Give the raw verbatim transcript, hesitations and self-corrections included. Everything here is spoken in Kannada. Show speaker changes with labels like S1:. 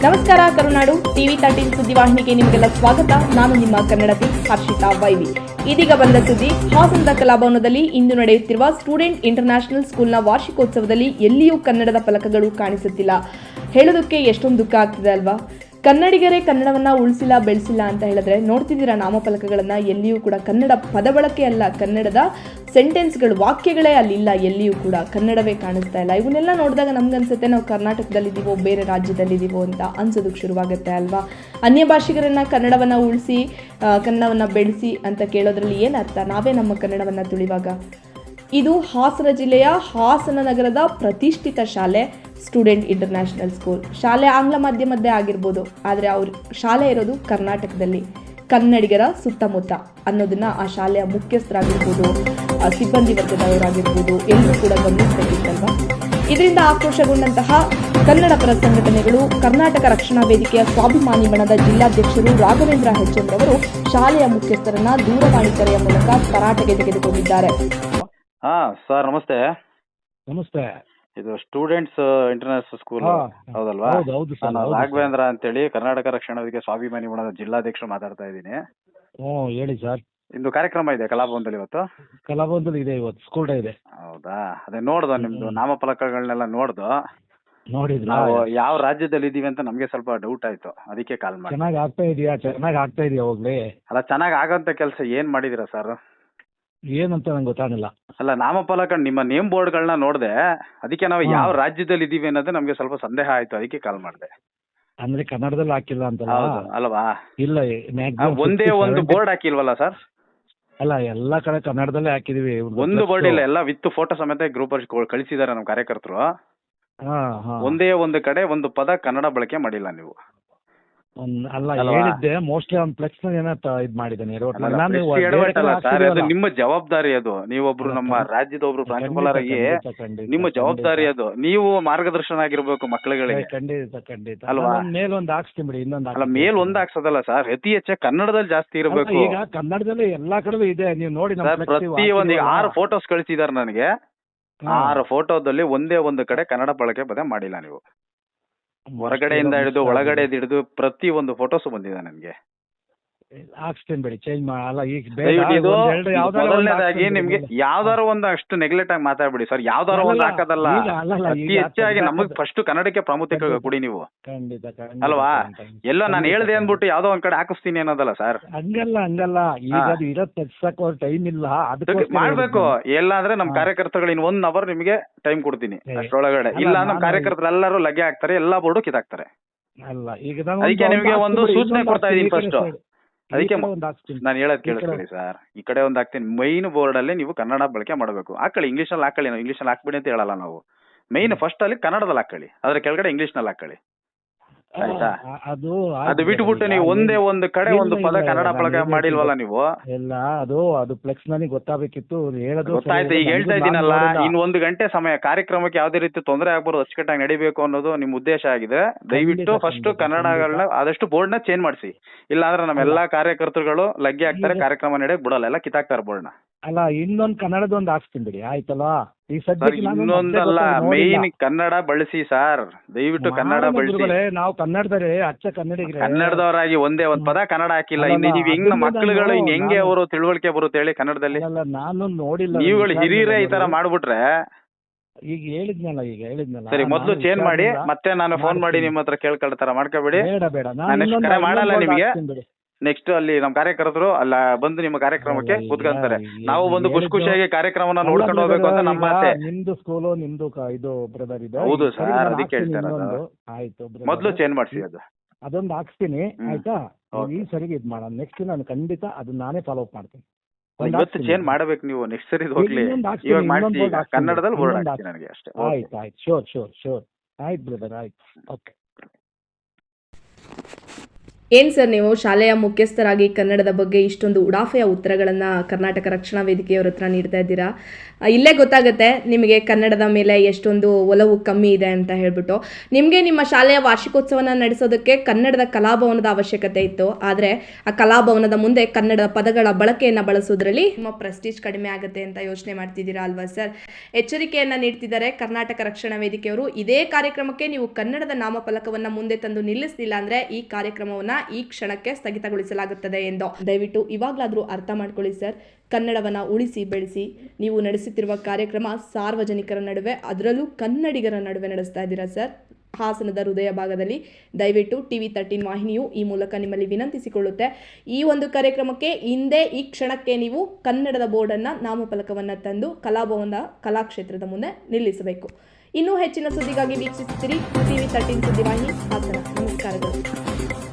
S1: ನಮಸ್ಕಾರ ಕರುನಾಡು ಟಿವಿ ತರ್ಟೀನ್ ಸುದ್ದಿವಾಹಿನಿಗೆ ನಿಮಗೆಲ್ಲ ಸ್ವಾಗತ. ನಾನು ನಿಮ್ಮ ಕನ್ನಡತಿ ಹರ್ಷಿತಾ ವೈವಿ. ಇದೀಗ ಬಂದ ಸುದ್ದಿ. ಹಾಸನದ ಕಲಾಭವನದಲ್ಲಿ ಇಂದು ನಡೆಯುತ್ತಿರುವ ಸ್ಟೂಡೆಂಟ್ ಇಂಟರ್ನ್ಯಾಷನಲ್ ಸ್ಕೂಲ್ನ ವಾರ್ಷಿಕೋತ್ಸವದಲ್ಲಿ ಎಲ್ಲಿಯೂ ಕನ್ನಡದ ಫಲಕಗಳು ಕಾಣಿಸುತ್ತಿಲ್ಲ. ಹೇಳೋದಕ್ಕೆ ಎಷ್ಟೊಂದು ದುಃಖ ಆಗ್ತಿದೆ ಅಲ್ವಾ? ಕನ್ನಡಿಗರೇ ಕನ್ನಡವನ್ನ ಉಳಿಸಿಲ್ಲ ಬೆಳೆಸಿಲ್ಲ ಅಂತ ಹೇಳಿದ್ರೆ ನೋಡ್ತಿದ್ದೀರಾ ನಾಮಫಲಕಗಳನ್ನ, ಎಲ್ಲಿಯೂ ಕೂಡ ಕನ್ನಡ ಪದ ಬಳಕೆ ಅಲ್ಲ, ಕನ್ನಡದ ಸೆಂಟೆನ್ಸ್ಗಳು ವಾಕ್ಯಗಳೇ ಅಲ್ಲಿಲ್ಲ, ಎಲ್ಲಿಯೂ ಕೂಡ ಕನ್ನಡವೇ ಕಾಣಿಸ್ತಾ ಇಲ್ಲ. ಇವನ್ನೆಲ್ಲ ನೋಡಿದಾಗ ನಮ್ಗನ್ಸುತ್ತೆ ನಾವು ಕರ್ನಾಟಕದಲ್ಲಿದ್ದೀವೋ ಬೇರೆ ರಾಜ್ಯದಲ್ಲಿದ್ದೀವೋ ಅಂತ ಅನ್ಸೋದಕ್ಕೆ ಶುರುವಾಗುತ್ತೆ ಅಲ್ವಾ? ಅನ್ಯ ಭಾಷಿಗರನ್ನ ಕನ್ನಡವನ್ನ ಉಳಿಸಿ ಕನ್ನಡವನ್ನ ಬೆಳೆಸಿ ಅಂತ ಕೇಳೋದ್ರಲ್ಲಿ ಏನರ್ಥ? ನಾವೇ ನಮ್ಮ ಕನ್ನಡವನ್ನ ತುಳಿವಾಗ. ಇದು ಹಾಸನ ಜಿಲ್ಲೆಯ ಹಾಸನ ನಗರದ ಪ್ರತಿಷ್ಠಿತ ಶಾಲೆ ಸ್ಟೂಡೆಂಟ್ ಇಂಟರ್ನ್ಯಾಷನಲ್ ಸ್ಕೂಲ್. ಶಾಲೆ ಆಂಗ್ಲ ಮಾಧ್ಯಮದ್ದೇ ಆಗಿರ್ಬೋದು, ಆದರೆ ಅವ್ರ ಶಾಲೆ ಇರೋದು ಕರ್ನಾಟಕದಲ್ಲಿ, ಕನ್ನಡಿಗರ ಸುತ್ತಮುತ್ತ ಅನ್ನೋದನ್ನ ಆ ಶಾಲೆಯ ಮುಖ್ಯಸ್ಥರಾಗಿರ್ಬೋದು, ಸಿಬ್ಬಂದಿ ವರ್ಗದವರಾಗಿರ್ಬೋದು ಎಲ್ಲರೂ ಕೂಡ ಗಮನಿಸಬೇಕಿತ್ತಲ್ವಾ? ಇದರಿಂದ ಆಕ್ರೋಶಗೊಂಡಂತಹ ಕನ್ನಡ ಪರ ಸಂಘಟನೆಗಳು ಕರ್ನಾಟಕ ರಕ್ಷಣಾ ವೇದಿಕೆಯ ಸ್ವಾಭಿಮಾನಿ ಬಣದ ಜಿಲ್ಲಾಧ್ಯಕ್ಷರು ರಾಘವೇಂದ್ರ ಹೆಚ್ ಎಂ ರವರು ಶಾಲೆಯ ಮುಖ್ಯಸ್ಥರನ್ನ ದೂರವಾಣಿ ಕರೆಯ ಮೂಲಕ ತರಾಟೆಗೆ ತೆಗೆದುಕೊಂಡಿದ್ದಾರೆ.
S2: ಹಾ ಸರ್, ನಮಸ್ತೆ.
S3: ನಮಸ್ತೆ.
S2: ಇದು ಸ್ಟೂಡೆಂಟ್ಸ್ ಇಂಟರ್ನ್ಯಾಷನಲ್ ಸ್ಕೂಲ್ ಹೌದಲ್ವಾ? ನಾನು ರಾಘವೇಂದ್ರ ಅಂತೇಳಿ ಕರ್ನಾಟಕ ರಕ್ಷಣಾ ವೇದಿಕೆ ಸ್ವಾಭಿಮಾನಿ ಬಣದ ಜಿಲ್ಲಾಧ್ಯಕ್ಷರು ಮಾತಾಡ್ತಾ ಇದ್ದೀನಿ.
S3: ಹ್ಞೂ ಹೇಳಿ ಸರ್.
S2: ಇಂದು ಕಾರ್ಯಕ್ರಮ ಇದೆ ಕಲಾಭವನದಲ್ಲಿ ಇವತ್ತು.
S3: ಕಲಾಭವನದಲ್ಲಿ ಇದೆ ಇವತ್ತು, ಸ್ಕೂಲ್ ಡೇ ಇದೆ.
S2: ಹೌದಾ? ಅದೇ ನೋಡ್ದು ನಿಮ್ದು ನಾಮಫಲಕಗಳನ್ನೆಲ್ಲ ನೋಡ್ದು
S3: ನೋಡಿದ್ರ
S2: ನಾವು ಯಾವ ರಾಜ್ಯದಲ್ಲಿ ಇದೀವಿ ಅಂತ ನಮ್ಗೆ ಸ್ವಲ್ಪ ಡೌಟ್ ಆಯ್ತು, ಅದಕ್ಕೆ ಕಾಲ್ ಮಾಡಿ.
S3: ಚೆನ್ನಾಗಿ ಆಗ್ತಾ ಇದೆಯಾ? ಚೆನ್ನಾಗಿ ಆಗ್ತಾ ಇದೆಯಾ ಹೋಗ್ಲಿ?
S2: ಅಲ್ಲ, ಚೆನ್ನಾಗಿ ಆಗಂತ ಕೆಲಸ ಏನ್ ಮಾಡಿದೀರಾ ಸರ್?
S3: ಏನಂತ ನಂಗೆ ಗೊತ್ತಾಗಿಲ್ಲ.
S2: ಅಲ್ಲ, ನಾಮಫಲಕ ನಿಮ್ಮ ನೇಮ್ ಬೋರ್ಡ್ಗಳನ್ನ ನೋಡ್ದೆ, ಅದಕ್ಕೆ ನಾವು ಯಾವ ರಾಜ್ಯದಲ್ಲಿ ಇದೀವಿ ಅನ್ನೋದು ನಮ್ಗೆ ಸ್ವಲ್ಪ ಸಂದೇಹ ಆಯ್ತು, ಅದಕ್ಕೆ ಕಾಲ್ ಮಾಡಿದೆ.
S3: ಅಂದ್ರೆ ಕನ್ನಡದಲ್ಲಿ ಹಾಕಿಲ್ಲ ಅಂತ
S2: ಅಲ್ವಾ?
S3: ಇಲ್ಲ,
S2: ಒಂದೇ ಒಂದು ಬೋರ್ಡ್ ಹಾಕಿಲ್ವಲ್ಲ ಸರ್?
S3: ಅಲ್ಲ, ಎಲ್ಲಾ ಕಡೆ ಕನ್ನಡದಲ್ಲೇ ಹಾಕಿದೀವಿ.
S2: ಒಂದು ಬೋರ್ಡ್ ಇಲ್ಲ, ಎಲ್ಲ ವಿತ್ ಫೋಟೋ ಸಮೇತ ಗ್ರೂಪ್ ಕಳಿಸಿದಾರೆ ನಮ್ಮ ಕಾರ್ಯಕರ್ತರು. ಒಂದೇ ಒಂದು ಕಡೆ ಒಂದು ಪದ ಕನ್ನಡ ಬಳಕೆ ಮಾಡಿಲ್ಲ ನೀವು.
S3: ಅಲ್ಲ, ಹೇಳಿದ್ದೆ ಮೋಸ್ಟ್ಲಿ ಅವ್ನು ಫ್ಲೆಕ್ಸ್ ಏನೋ ಇದ್ ಮಾಡಿದ್ದಾನೆ.
S2: ಅದು ನಿಮ್ಮ ಜವಾಬ್ದಾರಿ, ಅದು ನೀವೊಬ್ರು ನಮ್ಮ ರಾಜ್ಯದ ಒಬ್ರು ಪ್ರಾಂಶುಪಾಲರಾಗಿ ನಿಮ್ಮ ಜವಾಬ್ದಾರಿ ಅದು. ನೀವು ಮಾರ್ಗದರ್ಶನ ಆಗಿರ್ಬೇಕು ಮಕ್ಕಳುಗಳಿಗೆ.
S3: ಖಂಡಿತ ಖಂಡಿತ
S2: ಅಲ್ವಾ?
S3: ಮೇಲ್ ಒಂದ್ ಹಾಕ್ಸ್ತೀನಿ ಬಿಡಿ. ಇನ್ನೊಂದು
S2: ಅಲ್ಲ, ಮೇಲ್ ಒಂದ್ ಹಾಕ್ಸೋದಲ್ಲ ಸರ್, ಅತಿ ಹೆಚ್ಚಾಗಿ ಕನ್ನಡದಲ್ಲಿ ಜಾಸ್ತಿ ಇರಬೇಕು.
S3: ಈಗ ಕನ್ನಡದಲ್ಲಿ ಎಲ್ಲಾ ಕಡೆ ಇದೆ, ನೀವು ನೋಡಿ.
S2: ಪ್ರತಿ ಒಂದು ಆರು ಫೋಟೋಸ್ ಕಳಿಸಿದಾರೆ ನನಗೆ. ಆರು ಫೋಟೋದಲ್ಲಿ ಒಂದೇ ಒಂದು ಕಡೆ ಕನ್ನಡ ಬಳಕೆ ಪದ ಮಾಡಿಲ್ಲ ನೀವು. ಹೊರಗಡೆಯಿಂದ ಹಿಡಿದು ಒಳಗಡೆ ಹಿಡಿದು ಪ್ರತಿ ಒಂದು ಫೋಟೋಸ್ ಬಂದಿದೆ ನನಗೆ.
S3: ಹಾಕ್ಸ್ತೀನಿ ಬಿಡಿ, ಚೇಂಜ್ ಮಾಡಲ್ಲ. ಈಗ
S2: ಮೊದಲನೇದಾಗಿ ನಿಮ್ಗೆ ಯಾವ್ದಾರು ಒಂದು ಅಷ್ಟು ನೆಗ್ಲೆಕ್ಟ್ ಆಗಿ ಮಾತಾಡ್ಬಿಡಿ ಸರ್. ಯಾವ್ದಾರು ಒಂದು ಹಾಕೋದಲ್ಲ, ಅತಿ ಹೆಚ್ಚಾಗಿ ನಮಗ್ ಫಸ್ಟ್ ಕನ್ನಡಕ್ಕೆ ಪ್ರಾಮುಖ್ಯತೆ ಕೊಡಿ ನೀವು. ಅಲ್ವಾ? ಎಲ್ಲೋ ನಾನು ಹೇಳ್ದೆ ಅಂದ್ಬಿಟ್ಟು ಯಾವ್ದೋ ಒಂದ್ ಕಡೆ ಹಾಕಿಸ್ತೀನಿ ಅನ್ನೋದಲ್ಲ ಸರ್.
S3: ಹಂಗಲ್ಲ ಹಂಗಲ್ಲ ಈಗ ಇರೋ ತೆಗ್ಸಕ್ ಟೈಮ್ ಇಲ್ಲ, ಅದಕ್ಕೆ
S2: ಮಾಡ್ಬೇಕು. ಎಲ್ಲ ಅಂದ್ರೆ ನಮ್ ಕಾರ್ಯಕರ್ತರುಗಳು ಇನ್ ಒನ್ ಅವರ್ ನಿಮ್ಗೆ ಟೈಮ್ ಕೊಡ್ತೀನಿ, ಅಷ್ಟೊಳಗಡೆ. ಇಲ್ಲ ನಮ್ ಕಾರ್ಯಕರ್ತರು ಎಲ್ಲರೂ ಲಗ್ಗೆ ಹಾಕ್ತಾರೆ, ಎಲ್ಲಾ ಬೋರ್ಡು ಕಿತ್ತಾಕ್ತಾರೆ.
S3: ಅಲ್ಲ, ಈಗ
S2: ಅದಕ್ಕೆ ನಿಮ್ಗೆ ಒಂದು ಸೂಚನೆ ಕೊಡ್ತಾ ಇದೀನಿ ಫಸ್ಟ್. ಅದಕ್ಕೆ ನಾನು ಹೇಳೋದ್ ಕೇಳಿಸ್ಕೊಳ್ಳಿ ಸರ್. ಈ ಕಡೆ ಒಂದ್ ಹಾಕ್ತೀನಿ, ಮೈನ್ ಬೋರ್ಡ್ ಅಲ್ಲಿ ನೀವು ಕನ್ನಡ ಬಳಕೆ ಮಾಡಬೇಕು. ಹಾಕೊಳ್ಳಿ, ಇಂಗ್ಲಿಷ್ ಅಲ್ಲಿ ಹಾಕೊಳ್ಳಿ. ನಾವು ಇಂಗ್ಲಿಷ್ ಅಲ್ಲಿ ಹಾಕ್ಬಿಡಿ ಅಂತ ಹೇಳಲ್ಲ ನಾವು. ಮೈನ್ ಫಸ್ಟ್ ಅಲ್ಲಿ ಕನ್ನಡದಲ್ಲಿ ಹಾಕೊಳ್ಳಿ, ಅದ್ರ ಕೆಳಗಡೆ ಇಂಗ್ಲಿಷ್ ನಲ್ಲಿ ಹಾಕೊಳ್ಳಿ. ಆಯ್ತಾ? ಅದು ಅದು ಬಿಟ್ಬಿಟ್ಟು ನೀವು ಒಂದೇ ಒಂದು ಕಡೆ ಒಂದು ಪದ ಕನ್ನಡ ಬಳಕೆ ಮಾಡಿಲ್ವಲ್ಲ ನೀವು.
S3: ಎಲ್ಲ ಅದು ಅದು ಫ್ಲೆಕ್ಸ್ ನನಗೆ ಗೊತ್ತಾಗಬೇಕಿತ್ತು, ಹೇಳೋದು
S2: ಗೊತ್ತಾಯ್ತು. ಈಗ ಹೇಳ್ತಾ ಇದ್ದೀನಲ್ಲ, ಇನ್ ಒಂದು ಗಂಟೆ ಸಮಯ ಕಾರ್ಯಕ್ರಮಕ್ಕೆ ಯಾವ್ದೇ ರೀತಿ ತೊಂದರೆ ಆಗ್ಬಾರ್ದು, ಅಚ್ಚುಕಟ್ಟಾಗಿ ನಡಿಬೇಕು ಅನ್ನೋದು ನಿಮ್ ಉದ್ದೇಶ ಆಗಿದೆ. ದಯವಿಟ್ಟು ಫಸ್ಟ್ ಕನ್ನಡಗಳನ್ನ ಆದಷ್ಟು ಬೋರ್ಡ್ ನ ಚೇಂಜ್ ಮಾಡಿಸಿ. ಇಲ್ಲಾಂದ್ರೆ ನಮ್ಮ ಎಲ್ಲಾ ಕಾರ್ಯಕರ್ತರುಗಳು ಲಗ್ಗೆ ಹಾಕ್ತಾರೆ, ಕಾರ್ಯಕ್ರಮ ನಡೆಯಕ್ ಬಿಡಲ್ಲ, ಎಲ್ಲ ಕಿತ್ತಾಕ್ತಾರೆ ಬೋರ್ಡ್ ನ.
S3: ಅಲ್ಲ, ಇನ್ನೊಂದ್ ಕನ್ನಡದ ಒಂದು ಹಾಕ್ಸ್ತೀನಿ ಬಿಡಿ, ಆಯ್ತಲ್ವಾ? ಈ
S2: ಇನ್ನೊಂದಲ್ಲ, ಮೈನ್ ಕನ್ನಡ ಬಳಸಿ ಸರ್, ದಯವಿಟ್ಟು ಕನ್ನಡ ಬಳಸಿ.
S3: ನಾವು ಕನ್ನಡದವರೇ, ಅಚ್ಚ ಕನ್ನಡಿಗರೇ,
S2: ಕನ್ನಡದವರಾಗಿ ಒಂದೇ ಒಂದ್ ಪದ ಕನ್ನಡ ಹಾಕಿಲ್ಲ. ಇನ್ನು ನೀವ್ ಹೆಂಗ್ ಮಕ್ಳುಗಳು ಇನ್ ಹೆಂಗೆ ಅವರು ತಿಳುವಳಿಕೆ ಬರುತ್ತೆ ಹೇಳಿ ಕನ್ನಡದಲ್ಲಿ?
S3: ನಾನು ನೋಡಿಲ್ಲ.
S2: ನೀವುಗಳು ಹಿರಿಯರೇ ಈ ತರ ಮಾಡ್ಬಿಟ್ರೆ.
S3: ಈಗ ಹೇಳಿದ್ನಲ್ಲ ಈಗ ಹೇಳಿದ್ನಲ್ಲ
S2: ಸರಿ, ಮೊದ್ಲು ಚೇಂಜ್ ಮಾಡಿ, ಮತ್ತೆ ನಾನು ಫೋನ್ ಮಾಡಿ ನಿಮ್ಮ ಹತ್ರ ಕೇಳ್ಕೊಳ್ತಾರ ಮಾಡ್ಕೋಬೇಡಿ.
S3: ಬೇಡ ಬೇಡ,
S2: ನಾನು ಕರೆ ಮಾಡಲ್ಲ ನಿಮ್ಗೆ. ನೆಕ್ಸ್ಟ್ ಅಲ್ಲಿ ನಮ್ಮ ಕಾರ್ಯಕರ್ತರು ಅಲ್ಲ ಬಂದು ನಿಮ್ಮ ಕಾರ್ಯಕ್ರಮಕ್ಕೆ ಕೂತ್ಕೊಂತಾರೆ. ನಾವು ಬಂದು ಖುಷಿ ಖುಷಿಯಾಗಿ ಕಾರ್ಯಕ್ರಮನ ನೋಡ್ಕೊಂಡು ಹೋಗ್ಬೇಕು ಅಂತ ನಮ್ಮ ಆಸೆ.
S3: ನಿಮ್ದು ಸ್ಕೂಲು ನಿಮ್ದು ಇದು ಬ್ರದರ್ ಇದೆ.
S2: ಹೌದು ಸರ್, ಅದಕ್ಕೆ ಹೇಳ್ತಾರೆ.
S3: ಆಯ್ತು,
S2: ಮೊದ್ಲು ಚೇಂಜ್ ಮಾಡಿಸಿ, ಅದು
S3: ಅದೊಂದು ಹಾಕ್ಸ್ತೀನಿ. ಆಯ್ತಾ? ಈ ಸರಿಗೆ ಇದ್ ಮಾಡೋಣ. ನೆಕ್ಸ್ಟ್ ನಾನು ಖಂಡಿತ ಅದನ್ನ ನಾನೇ ಫಾಲೋ ಅಪ್ ಮಾಡ್ತೀನಿ.
S2: ಇವತ್ತು ಚೇಂಜ್ ಮಾಡ್ಬೇಕು ನೀವು, ನೆಕ್ಸ್ಟ್ ಸರಿ ಹೋಗ್ಲಿ. ಇವಾಗ ಮಾಡಿಸಿ, ಕನ್ನಡದಲ್ಲಿ ಬೋರ್ಡ್ ಹಾಕ್ತೀನಿ ನನಗೆ ಅಷ್ಟೇ.
S3: ಆಯ್ತು ಆಯ್ತು, ಶೋರ್ ಶೋರ್ ಶೋರ್. ಆಯ್ತು ಬ್ರದರ್, ಆಯ್ತು, ಓಕೆ.
S1: ಏನು ಸರ್ ನೀವು ಶಾಲೆಯ ಮುಖ್ಯಸ್ಥರಾಗಿ ಕನ್ನಡದ ಬಗ್ಗೆ ಇಷ್ಟೊಂದು ಉಡಾಫೆಯ ಉತ್ತರಗಳನ್ನು ಕರ್ನಾಟಕ ರಕ್ಷಣಾ ವೇದಿಕೆಯವ್ರ ಹತ್ರ ನೀಡ್ತಾ ಇದ್ದೀರಾ. ಆ, ಇಲ್ಲೇ ಗೊತ್ತಾಗುತ್ತೆ ನಿಮಗೆ ಕನ್ನಡದ ಮೇಲೆ ಎಷ್ಟೊಂದು ಒಲವು ಕಮ್ಮಿ ಇದೆ ಅಂತ ಹೇಳ್ಬಿಟ್ಟು. ನಿಮಗೆ ನಿಮ್ಮ ಶಾಲೆಯ ವಾರ್ಷಿಕೋತ್ಸವನ ನಡೆಸೋದಕ್ಕೆ ಕನ್ನಡದ ಕಲಾಭವನದ ಅವಶ್ಯಕತೆ ಇತ್ತು, ಆದರೆ ಆ ಕಲಾಭವನದ ಮುಂದೆ ಕನ್ನಡ ಪದಗಳ ಬಳಕೆಯನ್ನು ಬಳಸೋದ್ರಲ್ಲಿ ನಿಮ್ಮ ಪ್ರೆಸ್ಟೀಜ್ ಕಡಿಮೆ ಆಗುತ್ತೆ ಅಂತ ಯೋಚನೆ ಮಾಡ್ತಿದ್ದೀರಾ ಅಲ್ವಾ ಸರ್? ಎಚ್ಚರಿಕೆಯನ್ನು ನೀಡ್ತಿದ್ದಾರೆ ಕರ್ನಾಟಕ ರಕ್ಷಣಾ ವೇದಿಕೆಯವರು. ಇದೇ ಕಾರ್ಯಕ್ರಮಕ್ಕೆ ನೀವು ಕನ್ನಡದ ನಾಮಫಲಕವನ್ನು ಮುಂದೆ ತಂದು ನಿಲ್ಲಿಸಲಿಲ್ಲ ಅಂದರೆ ಈ ಕಾರ್ಯಕ್ರಮವನ್ನು ಈ ಕ್ಷಣಕ್ಕೆ ಸ್ಥಗಿತಗೊಳಿಸಲಾಗುತ್ತದೆ ಎಂದು ದಯವಿಟ್ಟು ಇವಾಗಲಾದರೂ ಅರ್ಥ ಮಾಡ್ಕೊಳ್ಳಿ ಸರ್. ಕನ್ನಡವನ್ನು ಉಳಿಸಿ ಬೆಳೆಸಿ. ನೀವು ನಡೆಸುತ್ತಿರುವ ಕಾರ್ಯಕ್ರಮ ಸಾರ್ವಜನಿಕರ ನಡುವೆ, ಅದರಲ್ಲೂ ಕನ್ನಡಿಗರ ನಡುವೆ ನಡೆಸ್ತಾ ಇದ್ದೀರಾ ಸರ್. ಹಾಸನದ ಹೃದಯ ಭಾಗದಲ್ಲಿ ದಯವಿಟ್ಟು ಟಿ ವಿ ತರ್ಟೀನ್ ವಾಹಿನಿಯು ಈ ಮೂಲಕ ನಿಮ್ಮಲ್ಲಿ ವಿನಂತಿಸಿಕೊಳ್ಳುತ್ತೆ, ಈ ಒಂದು ಕಾರ್ಯಕ್ರಮಕ್ಕೆ ಹಿಂದೆ ಈ ಕ್ಷಣಕ್ಕೆ ನೀವು ಕನ್ನಡದ ಬೋರ್ಡನ್ನು ನಾಮಫಲಕವನ್ನು ತಂದು ಕಲಾಭವನದ ಕಲಾಕ್ಷೇತ್ರದ ಮುಂದೆ ನಿಲ್ಲಿಸಬೇಕು. ಇನ್ನೂ ಹೆಚ್ಚಿನ ಸುದ್ದಿಗಾಗಿ ವೀಕ್ಷಿಸುತ್ತೀರಿ ಟಿ ವಿ ತರ್ಟೀನ್ ಸುದ್ದಿವಾಹಿನಿ ಹಾಸನ. ನಮಸ್ಕಾರಗಳು.